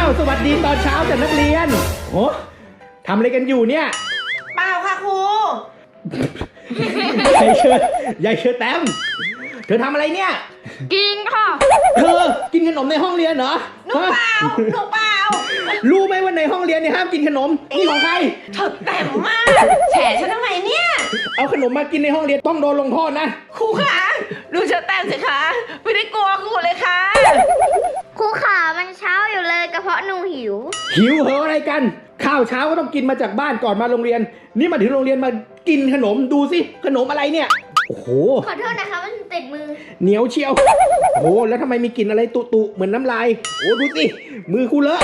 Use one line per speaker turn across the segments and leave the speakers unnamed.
าวสวัสดีตอนเช้าจากนักเรียนโอ้ทำอะไรกันอยู่เนี่ย
เปล่าค่ะครู
ยายเชิญแต้มเธอทำอะไรเนี่ย
กินค่ะ
เธอกินขนมในห้องเรียนเหรอ
หนูเปล่า
รู้ไหมว่าในห้องเรียนเนี่ยห้ามกินขนมนี่ของใคร
เธอแต้มมากแฉฉันทำไมเนี่ย
เอาขนมมากินในห้องเรียนต้องโดนลงโทษนะ
ครูคะดูเธอแต้มสิคะไม่ได้กลัวครูเลยค่ะ
ครูขามันเช้าอยู่เลยกระเพาะหนูหิว
เหรออะไรกันข้าวเช้าก็ต้องกินมาจากบ้านก่อนมาโรงเรียนนี่มาถึงโรงเรียนมากินขนมดูสิขนมอะไรเนี่ยโอ้โห
ขอโทษนะคะมันติดมือ
เหนียวเชียวโอ้แล้วทำไมมีกลิ่นอะไรตุเหมือนน้ำลายโอ้ดูสิมือกูเลอะ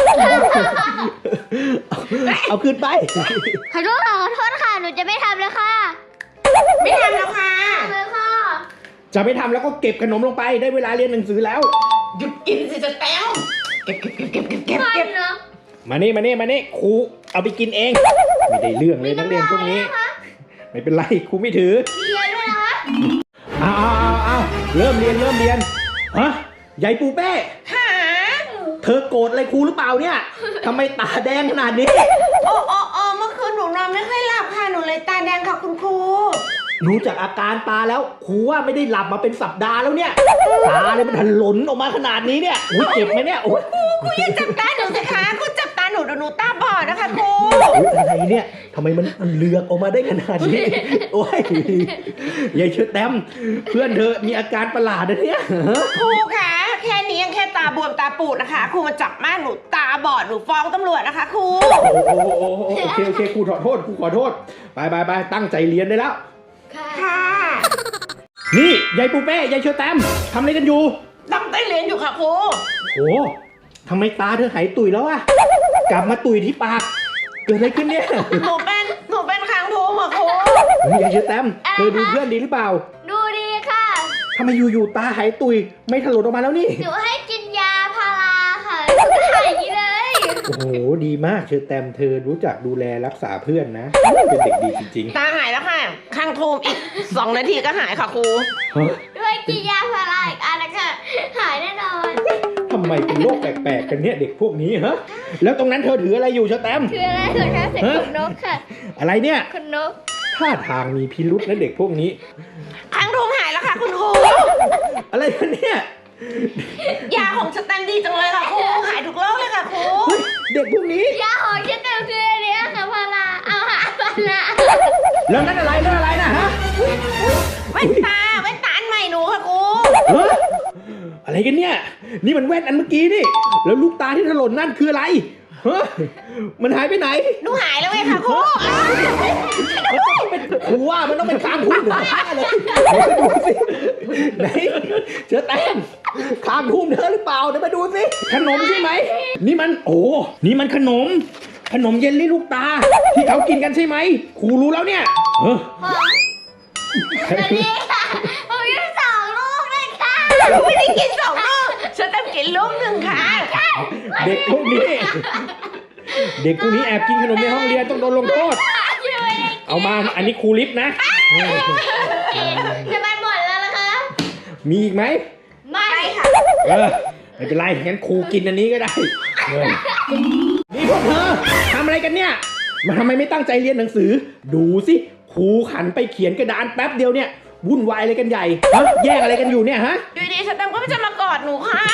เอาขึ้นไป
ขอโทษค่ะหนูจะไม่ทำแล้วค่ะ
ไม่ทำแล้วค่ะ
เลยค่ะ
จะไม่ทำแล้วก็เก็บขนมลงไปได้เวลาเรียนหนังสือแล้ว
หยุดกินสิจะแต้วเก็บ
มานี่ครูเอาไปกินเองไม่ได้เรื่องเลยนักเรียนพวกนี้ไม่เป็นไรครูไม่ถือ
เรียนด้วยนะคะ
เอาเริ่มเรียนฮะยายปูเป้
ค่ะ
เธอโกรธอะไรครูหรือเปล่าเนี่ยทำไมตาแดงขนาดนี้
โอ้เมื่อคืนหนูนอนไม่ค่อยหลับค่ะหนูเลยตาแดงค่ะคุณครู
รู้จากอาการตาแล้วครูว่าไม่ได้หลับมาเป็นสัปดาห์แล้วเนี่ยตาเนี่ยมันถลนออกมาขนาดนี้เนี่ยอุ้ยเจ็บไหมเนี่ยโอ้ย
ครูอย่าจับตาหนูสิคะครูจับตาหนูหนูตาบอดนะคะครู
อะไรเนี่ยทำไมมันเลือกออกมาได้ขนาดนี้โอ้ยยายเชิดแต้มเพื่อนเธอมีอาการประหลาดนะเนี่ย
ครูคะแค่นี้ยังแค่ตาบวมตาปูดนะคะครูมาจับแม่หนูตาบอดหนูฟ้องตำรวจนะคะครู
โอเคครูขอโทษไปตั้งใจเรียนได้แล้ว
ค่ะ
นี่ยายปูเป้ยายเชอแตมทำอะไรกันอยู่
ตั้งใจเรียนอยู่ค่ะครู
โอ้ทำไมตาเธอหายตุยแล้วอะกลับมาตุยที่ปากเกิดอะไรขึ้นเนี่ย
หนูเป็นคางทูค่ะครู
ยายเชอแตมเธอดูเพื่อนดีหรือเปล่า
ดูดีค่ะ
ทำไมอยู่ตาหายตุยไม่ถลนออกมาแล้วนี่
หนูให้กินยาพาราค่ะก็หายอย่างนี้เลย
โอ้โหดีมากเชอแตมเธอรู้จักดูแลรักษาเพื่อนนะเป็นเด็กดีจริง
ๆตาหายแล้วค่ะข้างทูมอีก2 นาทีก็หายค่ะครู
ด้วยกินยาพาราอีกอันละค่ะหายแน่นอน
ทำไมเป็นโรคแปลกๆกันเนี่ยเด็กพวกนี้ฮะแล้วตรงนั้นเธอถืออะไรอยู่เชอแตม
ถืออะไรเหรอคะเสียงขนนกค่ะ
อะไรเนี่ย
ขนนก
ท่าทางมีพิรุษนะเด็กพวกนี้
ข้างทูมหายแล้วค่ะคุณครู
อะไรกันเนี่ย
ยาของสแตนดีจังเลยค่ะครูหายทุกโรคเลยค่ะครู
เด็กพวกนี้
ยาของสแตนคืออันนี้ค่ะพาราเอาหาพารา
แล้วนั่นอะไรนะฮะ
แว่นตาอันใหม่หนูค่ะครู
อะไรกันเนี่ยนี่มันแว่นอันเมื่อกี้นี่แล้วลูกตาที่ถลนนั่นคืออะไรฮะมันหายไปไหน
หนูหายแล้วไงค่ะครู
ครูว่ามันต้องเป็นคางทุ่มหรือผ้าเลยดูสิไหนเจอแต้มคางทุ่มเธอหรือเปล่าเดี๋ยวมาดูสิขนมใช่ไหมนี่มันนี่มันขนมเยลลี่ลูกตาที่เขากินกันใช่ไหมครูรู้แล้วเนี่ย
นี่ค่ะผมกิน2 ลูกเลยค่ะ
ไม่ได้กิน2 ลูกฉันต้องกินลูก 1ค่ะ
เด็กพวกนี้แอบกินขนมในห้องเรียนต้องโดนลงโทษเอามาอันนี้ครูลิฟนะ
จะไปหมดแล้วล่ะคะ
มีอีกไหม
ไม่ค่ะ
ไม่เป็นไรงั้นครูกินอันนี้ก็ได้นี่พวกเธอทำอะไรกันเนี่ยมาทำไมไม่ตั้งใจเรียนหนังสือดูสิครูขันไปเขียนกระดานแป๊บเดียวเนี่ยวุ่นวายอะไรกันใหญ่แย่งอะไรกันอยู่เนี่ยฮะ
อยู่ดีฉันก็ไม่จะมากอดหนูค่ะ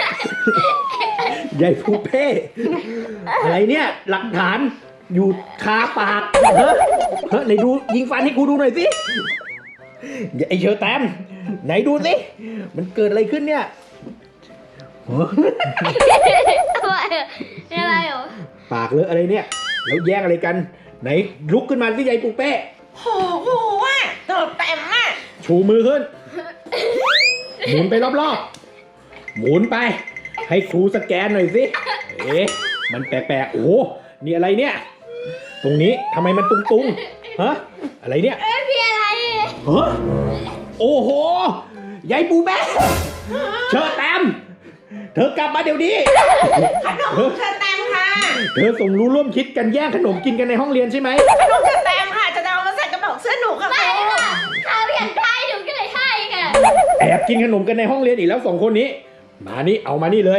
ใหญ่ฟูเป้อะไรเนี่ยหลักฐานอยู่คาปากไหนดูยิงฟันให้ครูดูหน่อยสิไอเชอแตมไหนดูสิมันเกิดอะไรขึ้นเนี่ย
อะไรเหรอ
ปากเลอะอะไรเนี่ยแล้วแย่งอะไรกันไหนลุกขึ้นมาสิยายปูเป้
โอ้โหว่ะเติบเต็มอ่ะ
ชูมือขึ้นหมุนไปรอบๆหมุนไปให้ครูสแกนหน่อยสิมันแปลกๆโอ้นี่อะไรเนี่ยตรงนี้ทำไมมันตุงๆฮะอะไรเนี่ย
พี่อะไร
ฮะโอ้โหยายปูเป้เชอแตมเธอกลับมาเดี๋ยวนี้
ขนมเชอแตมค่ะ
เธอสมรู้ร่วมคิดกันแย่งขนมกินกันในห้องเรียนใช่ไหม
ขนมเชอแตมค่ะจะเอามาใส่กระเป๋าเสื้อหนูค่ะ
ไม่ค่ะเขาอยากได้หนูก็เลยให้ค่ะ
แอบกินขนมกันในห้องเรียนอีกแล้ว2 คนนี้มานี่เอามานี่เลย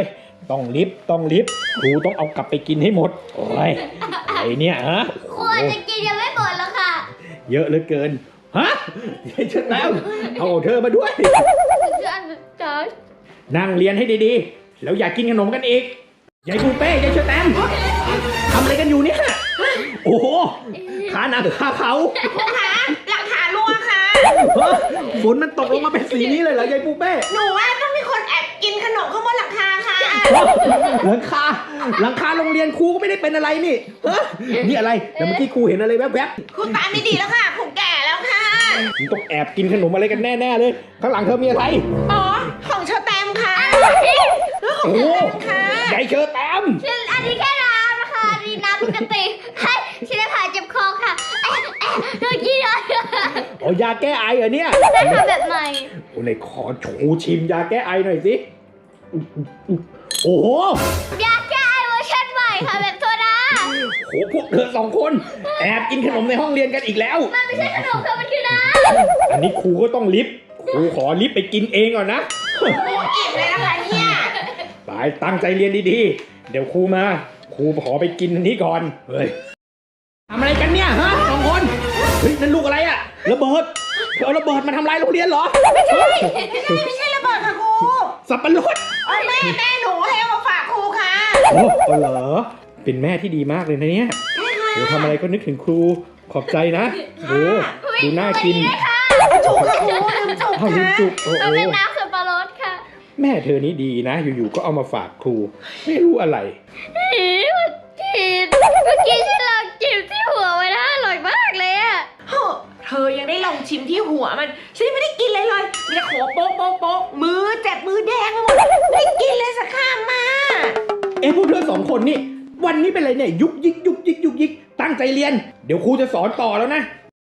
ต้องลิฟต์ครูต้องเอากลับไปกินให้หมดโอ้ยไอ้เนี่ยฮะ
ควรจะกินยังไม่หมดหรอกค่ะ
เยอะเหลือเกินฮะยายเชอแตมเอาเธอมาด้วย
จอร์จ
นั่งเรียนให้ดีๆ แล้วอย่ากินขนมกันอีกยายปูเป้ยายเชอแตมทำอะไรกันอยู่เนี่ย โอ้โหขาหนาหรือขาเขา
ครูคะหลังคารั่วค่ะ
ฮะฝนมันตกลงมาเป็นสีนี้เลยเหรอยายปูเป้
หนูว่าต้องมีคนแอบกินขนมข้างบนหลังคาค่ะ
หลังคาโรงเรียนครูก็ไม่ได้เป็นอะไรนี่ฮะนี่อะไรแต่เมื่อกี้ครูเห็นอะไรแวบ
ครูตาไม่ดีแล้วค่ะครูแก่แล้วค่ะ
ๆมึงต้องแอบกินขนมอะไรกันแน่ๆเลย ข้างหลังเธอมีอะไร
อ๋อของเชอแตมค่ะ
โอ้โห
ค่ะ
ยายเชอแตม
อันนี้แค่น้ำนะคะอันนี้น้ำปกติให้ชิลผ่าเจ็บคอค่ะเมื่อกี้เลย
อ๋อยาแก้ไอเหรอเนี่ย
ได้ทำแบบใหม่
โอ้ไหนขอชูชิมยาแก้ไอหน่อยสิโอ้โห
ยาแก้ไอเวอร์ชันใหม่ค่ะแบบโซดา
โหพวกเธอสองคนแอบกินขนมในห้องเรียนกันอีกแล้ว
มันไม่ใช่ขนมค่ะมันคือน้
อันนี้ครูก็ต้องลิฟต์ครูขอลิฟต์ไปกินเองก่อนนะ
ครูอิ่มเลยนะคะเนี่ย
ไปตั้งใจเรียนดีๆ เดี๋ยวครูมา ครูขอไปกินอันนี้ก่อน เฮ้ยทำอะไรกันเนี่ยฮะสองคน เฮ้ยนั่นลูกอะไรอะระเบิดเธอเอาระเบิดมาทำลายโรงเรียนเหรอ
ไม่ใช่ระเบิดค่ะครู
สับปะรด
แม่หนูให้เอามาฝากครูค่ะ
โอ้เหรอ เป็นแม่ที่ดีมากเลยนะเนี่ยโหทำอะไรก็นึกถึงครู ขอบใจนะโหดูน่ากิน
จุกค่ะครูลืมจุก
อ้าวลืม
ค่ะ
จุกโอ้
ำ
โห
มันเป็นน้ำสับปะรดค่ะ
แม่เธอนี่ดีนะ อยู่ๆก็เอามาฝากครู ไม่รู้อะไร
เมื่อกี้ที่เราจิ้มที่หัวไว้นะอร่อยมากเลยอะ
เธอยังได้ลองชิมที่หัวมันฉันไม่ได้กินเลยมีแต่โขโป๊ะมือเจ็บมือแดงไปหมดไม่ได้กินเลยสักคำมา
พวกเธอสองคนนี่ วันนี้เป็นอะไรเนี่ย ยุกยิกตั้งใจเรียน เดี๋ยวครูจะสอนต่อแล้วนะ